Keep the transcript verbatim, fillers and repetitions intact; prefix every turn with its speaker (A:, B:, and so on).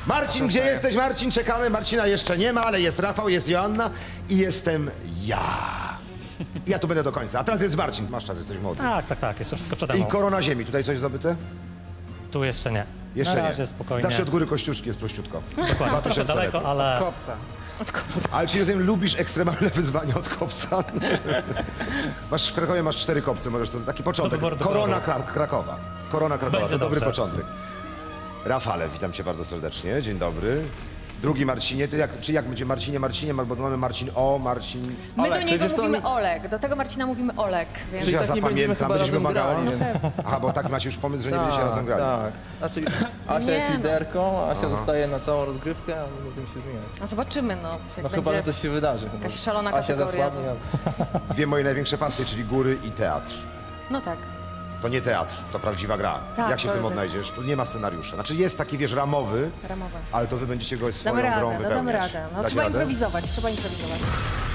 A: Marcin, gdzie jesteś? Marcin, czekamy. Marcina jeszcze nie ma, ale jest Rafał, jest Joanna i jestem ja. Ja tu będę do końca. A teraz jest Marcin. Masz czas, jesteś młody.
B: Tak, tak, tak, jeszcze wszystko przede mną.
A: I korona ziemi. Tutaj coś zdobyte?
B: Tu jeszcze nie.
A: Jeszcze
B: Na razie
A: nie.
B: spokojnie.
A: Zawsze od góry Kościuszki jest prościutko.
B: Dokładnie, trochę daleko,
A: lepiej.
B: ale...
C: Kopca.
A: Ale czy rozumiem, lubisz ekstremalne wyzwania od kopca? Masz w Krakowie masz cztery kopce, możesz to taki początek.
B: wyboru, do
A: Korona
B: wyboru.
A: Kra Krakowa. Korona Krakowa,
B: Będzie
A: to dobry
B: dobrze.
A: początek. Rafale, witam cię bardzo serdecznie. Dzień dobry. Drugi Marcinie, to jak, czy jak będzie Marcinie, Marcinie, bo tu mamy Marcin O, Marcin...
D: My
C: Olek,
D: do niego
C: przecież to
D: mówimy
C: nie-
D: Olek, do tego Marcina mówimy Olek, więc...
A: Czy ja
C: tak nie będziemy
A: zapamiętam,
C: chyba
A: będziesz
C: razem
A: wymagała?
C: grali, więc-
A: Aha, bo tak macie już pomysł, że nie będziecie razem grali.
C: Tak, znaczy Asia
D: Nie
C: jest
D: no.
C: liderką, Asia zostaje na całą rozgrywkę, a my będziemy się zmieniać.
D: No zobaczymy, no. Jak
C: No
D: będzie
C: chyba, że coś się wydarzy. chyba.
D: jakaś szalona
C: Asia
D: kategoria.
C: zasłabnie, a...
A: Dwie moje największe pasje, czyli góry i teatr.
D: No tak.
A: To nie teatr, to prawdziwa gra.
D: Tak,
A: Jak się w
D: to
A: tym
D: jest-
A: odnajdziesz? Tu nie ma scenariusza. Znaczy jest taki, wiesz, ramowy,
D: Ramowe.
A: ale to wy będziecie go swoją
D: Damy
A: grą
D: radę, no
A: wypełniać.
D: damy radę. No
A: Dacie
D: trzeba
A: radę?
D: improwizować, trzeba improwizować.